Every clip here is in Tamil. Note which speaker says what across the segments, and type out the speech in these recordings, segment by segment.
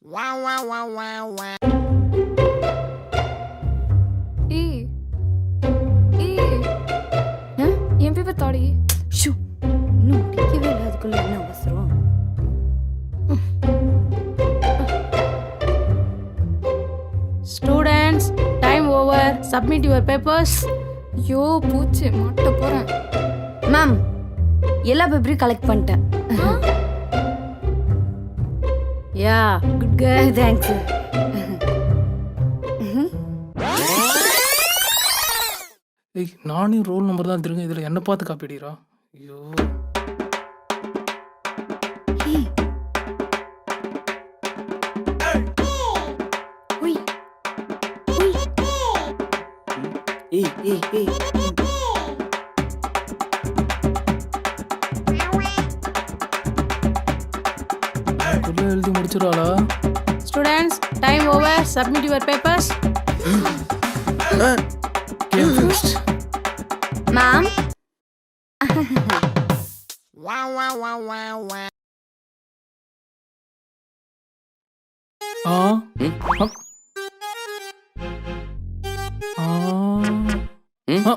Speaker 1: ஏய் ஏய் என் பேப்பர் தாடி.
Speaker 2: ஷூ இன்னும் முடிக்கவே இல்லை, அதுக்குள்ள என்ன அவசரம்?
Speaker 3: Students, time over. Submit your papers.
Speaker 1: ஐயோ பூச்சி மாட்ட போறேன்.
Speaker 2: மேம், எல்லா பேப்பரையும் கலெக்ட் பண்ணிட்டேன்.
Speaker 3: Yeah, good girl.
Speaker 2: தேங்க்ஸ்.
Speaker 4: ஏய், நானே ரோல் நம்பர் தான் திருங்க, இதில் என்ன பார்த்து காப்பி அடிக்கிறா? ஐயோ, அதுக்குள்ள எழுதி முடிச்சிடாளா?
Speaker 3: Students, time over. Submit your papers.
Speaker 4: Game fixed.
Speaker 2: Ma'am,
Speaker 4: ஆ அப். ஆ ஆ.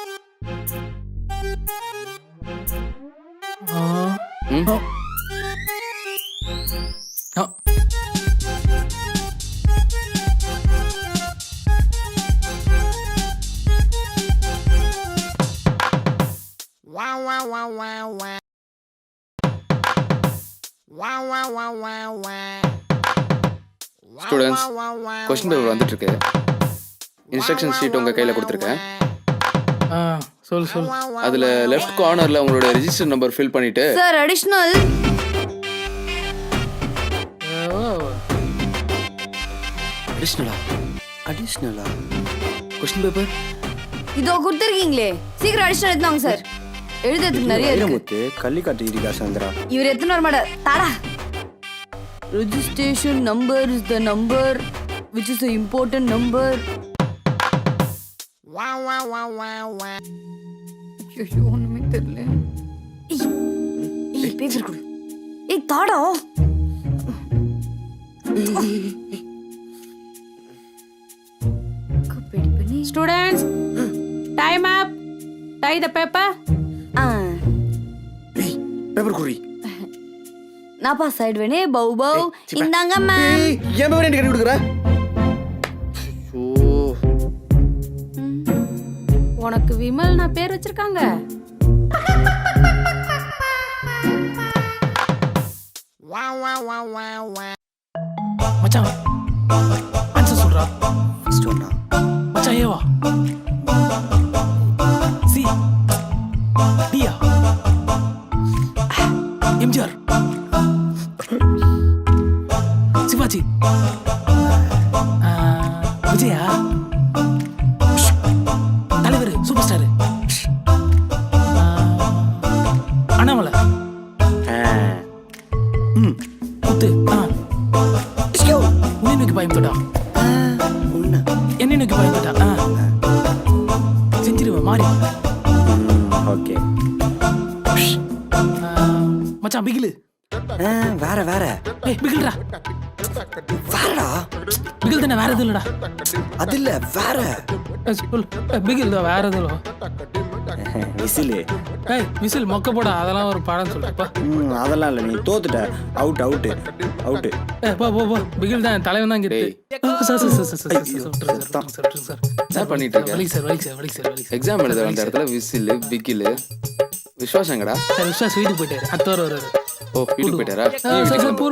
Speaker 4: ஆ. ஆ.
Speaker 5: ஸ்டூடெண்ட்ஸ், கொஸ்டின் பேப்பர் வந்துட்டு இருக்கு. இன்ஸ்ட்ரக்ஷன் ஷீட் உங்க கையில கொடுத்துருக்கேன்.
Speaker 4: ஆ, சொல்.
Speaker 5: அதுல லெஃப்ட் கார்னர்ல உங்களோட ரெஜிஸ்டர் நம்பர் ஃபில் பண்ணிட்டு
Speaker 2: சார் அடிஷ்னல்.
Speaker 6: அடிஷ்னலா கொஸ்டின் பேப்பர்
Speaker 2: இதோ கொடுத்துருக்கீங்களே, சீக்கிரம் அடிஷ்னல் எடுத்தாங்க சார். எழுதுறதுக்கு நிறைய இருக்கு.
Speaker 6: முத்து கள்ளி காட்டுகிறீங்க சந்திரா.
Speaker 2: இவர் எத்தனை வர மாட்டார். தாடா. Registration number is the number which is the important number.
Speaker 1: ஐயோ ஒண்ணுமே தெரியல.
Speaker 2: ஏய் பேப்பர் கொடு. ஏய் தாடா. காப்பி பண்ணி.
Speaker 3: Students, time up. Tie the paper.
Speaker 6: ஏய் பேப்பர் குறி.
Speaker 2: நான் பாஸ் ஆயிடுவேனே. பௌ பௌ. இந்தாங்க மேம்.
Speaker 6: ஏய் ஏன் பேப்பர் எனக்கு கட்டி கொடுக்குற?
Speaker 3: உனக்கு விமல் நான் பேர் வச்சிருக்காங்க.
Speaker 4: மச்சான் ஆன்சர் சொல்றா.
Speaker 6: ஃபர்ஸ்ட் ஒன்னா
Speaker 4: மச்சான் ஏவா சி டியா எம்ஜிஆர் சிவாஜி விஜயா தலைவர் சூப்பர் ஸ்டார் அண்ணாமலை முத்து உன்னை நோக்கி பயந்துட்டா என்னை நோக்கி பயந்துட்டா செஞ்சிருவேன் மாறி.
Speaker 6: ஓகே
Speaker 4: மச்சான் பிகிலு
Speaker 6: வேற வேற
Speaker 4: ஏய் பிகில்டா
Speaker 6: வேறடா.
Speaker 4: பிகில் தானே, வேற எதுவும் இல்லடா.
Speaker 6: அது இல்ல வேற
Speaker 4: சொல் பிகில் தான், வேற எதுவும்
Speaker 6: விசிலு.
Speaker 4: ஏய் விசில் மொக்க போடா, அதெல்லாம் ஒரு படம் சொல்றப்பா.
Speaker 6: அதெல்லாம் இல்ல, நீ தோத்துட்ட. Out out out.
Speaker 4: ஏ போ பிகில் தான், தலைவன் தான் கிட்டு.
Speaker 5: என்ன பண்ணிட்டு இருக்க?
Speaker 4: வலி சார்.
Speaker 5: எக்ஸாம் எழுத வந்த இடத்துல விசில் பிகில். விஸ்வாசங்கடா
Speaker 4: சார் விஸ்வாஸ் வீட்டுக்கு போயிட்டாரு. அடுத்த வாரம் வருவாரு.
Speaker 5: ஓ வீட்டுக்கு போயிட்டாரா?